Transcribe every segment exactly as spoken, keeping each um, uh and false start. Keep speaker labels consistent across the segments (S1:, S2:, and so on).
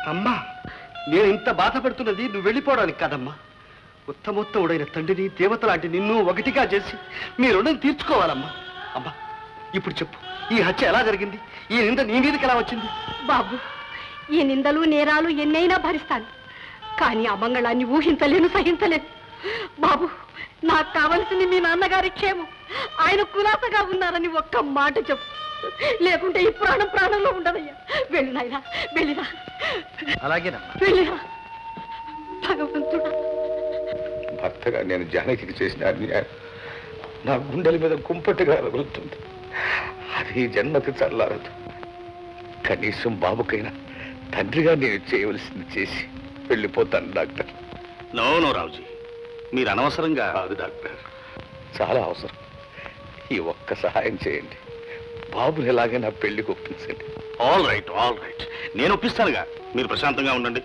S1: అమ్మా, నేను ఇంత బాధపడుతున్నది నువ్వు వెళ్ళిపోవడానికి కాదమ్మా. ఉత్తమోత్తముడైన తండ్రిని, దేవత లాంటి నిన్ను ఒకటిగా చేసి మీ రుణం తీర్చుకోవాలమ్మా. అమ్మా, ఇప్పుడు చెప్పు, ఈ హత్య ఎలా జరిగింది? ఈ నింద నీ మీదకి ఎలా వచ్చింది?
S2: బాబు, ఈ నిందలు నేరాలు ఎన్నైనా భరిస్తాను, కానీ అమంగళాన్ని ఊహించలేను, సహించలేను. బాబు, నాకు కావలసింది మీ నాన్నగారి క్షేమం. ఆయన కులాసగా ఉన్నారని ఒక్క మాట చెప్పు, లేకుంటే ఈ ప్రాణం ప్రాణంలో ఉండదయ్యా. వెళ్ళి నాయనా, వెళ్ళిరా.
S1: అలాగేనమ్మా,
S2: వెళ్ళిరా. భగవంతుడా,
S3: భర్తగా నేను జానకి చేసిన అన్యాయం నా గుండెల మీద కుంపటిగా రగులుతుంది. అది జన్మకి చల్లారదు. కనీసం బాబుకైనా తండ్రిగా నేను చేయవలసింది చేసి వెళ్ళిపోతాను డాక్టర్.
S4: నో నో రావుజీ, మీరు అనవసరంగా.
S3: కాదు డాక్టర్, చాలా అవసరం. ఈ ఒక్క సహాయం చేయండి. బాబుని ఎలాగైనా పెళ్లికి ఒప్పించండి.
S4: ఆల్ రైట్ ఆల్ రైట్, నేను ఒప్పిస్తానుగా. మీరు ప్రశాంతంగా ఉండండి.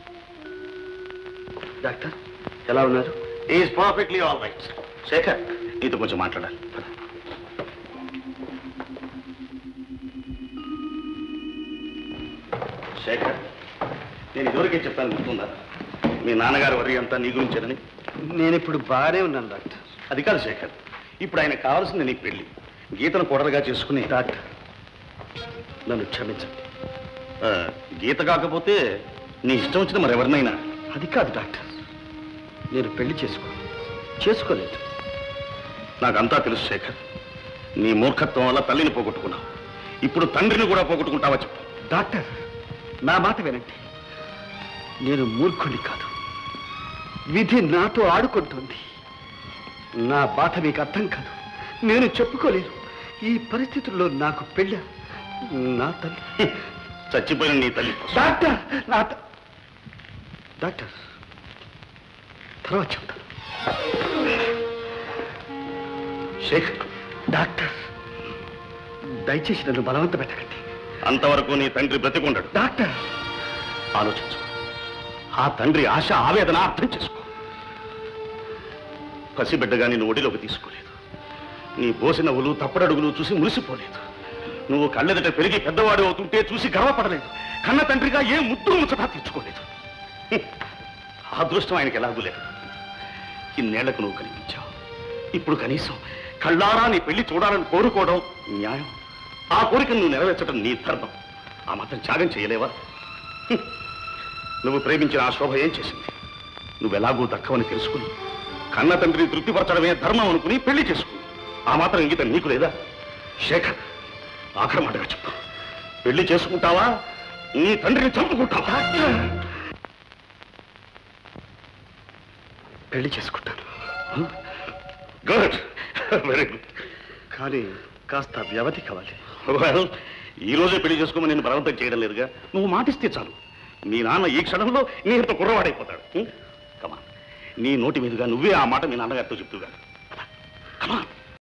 S1: డాక్టర్ ఎలా ఉన్నారు?
S4: Is perfectly all right. Shekhar, నీతో కొంచెం మాట్లాడాలి. శేఖర్, నేను ఇదివరకే చెప్పాను, గుర్తుందా? మీ నాన్నగారు వరి అంతా నీ గురించేనని.
S1: నేను ఇప్పుడు బాగానే ఉన్నాను డాక్టర్.
S4: అది కాదు శేఖర్, ఇప్పుడు ఆయన కావాల్సింది నీ పెళ్లి. గీతను కొడలుగా చేసుకుని.
S1: డాక్టర్, నన్ను క్షమించండి.
S4: గీత కాకపోతే నీ ఇష్టం వచ్చిన మరెవరినైనా.
S1: అది కాదు డాక్టర్, నేను పెళ్లి చేసుకో చేసుకోలేదు.
S4: నాకంతా తెలుసు శేఖర్. నీ మూర్ఖత్వం వల్ల తల్లిని పోగొట్టుకున్నావు. ఇప్పుడు తండ్రిని కూడా పోగొట్టుకుంటావా చెప్పు.
S1: డాక్టర్, నా మాట వినండి. నేను మూర్ఖుడిని కాదు. విధి నాతో ఆడుకుంటుంది. నా బాధ మీకు అర్థం కాదు. నేను చెప్పుకోలేదు. ఈ పరిస్థితుల్లో నాకు పెళ్ళ నా తల్లి
S4: చచ్చిపోయిన నీ తల్లి.
S1: డాక్టర్, నా డాక్టర్ తర్వాత చెప్తాను.
S4: శేఖర్,
S1: డాక్టర్, దయచేసి నన్ను బలవంత పెట్టకండి.
S4: అంతవరకు నీ తండ్రి బ్రతికుండడు.
S1: డాక్టర్,
S4: ఆలోచించు. ఆ తండ్రి ఆశ, ఆవేదన అర్థం చేసుకో. పసిబిడ్డగా నిన్ను ఒడిలోకి తీసుకోలేదు. నీ బోసి నవ్వులు, తప్పడడుగులు చూసి మురిసిపోలేదు. నువ్వు కళ్ళెదట పెరిగి పెద్దవాడు అవుతుంటే చూసి గర్వపడలేదు. కన్న తండ్రిగా ఏ ముద్దు ముచ్చటా తీర్చుకోలేదు. ఆ అదృష్టం ఆయనకి ఎలాగూ లేదు. ఇన్నేళ్లకు నువ్వు కనిపించావు. ఇప్పుడు కనీసం కళ్ళారా నీ పెళ్లి చూడాలని కోరుకోవడం న్యాయం. ఆ కోరికను నువ్వు నెరవేర్చడం నీ ధర్మం. ఆ మాత్రం త్యాగం చేయలేవా? నువ్వు ప్రేమించిన ఆ శోభ ఏం చేసింది? నువ్వెలాగూ దక్కవని తెలుసుకుని కన్న తండ్రిని తృప్తిపరచడమే ధర్మం అనుకుని పెళ్లి చేసుకుని ఆ మాత్రం ఇంగితం నీకు లేదా? శేఖర్, ఆఖరి మాటగా చెప్పు. పెళ్లి చేసుకుంటావా? నీ తండ్రిని చంపుకుంటావా?
S1: పెళ్లి చేసుకుంటాను.
S4: Good, very good.
S1: కానీ కాస్త వ్యవధి కావాలి.
S4: వెల్, ఈ రోజే పెళ్లి చేసుకోమని నేను బలవంతం చేయడం లేదుగా. నువ్వు మాటిస్తే చాలు. మీ నాన్న ఈ క్షణంలో నీ ఇంత కుర్రవాడైపోతాడు. కమా, నీ నోటి మీదుగా నువ్వే ఆ మాట మీ నాన్నగారితో చెప్తుగా. కమా.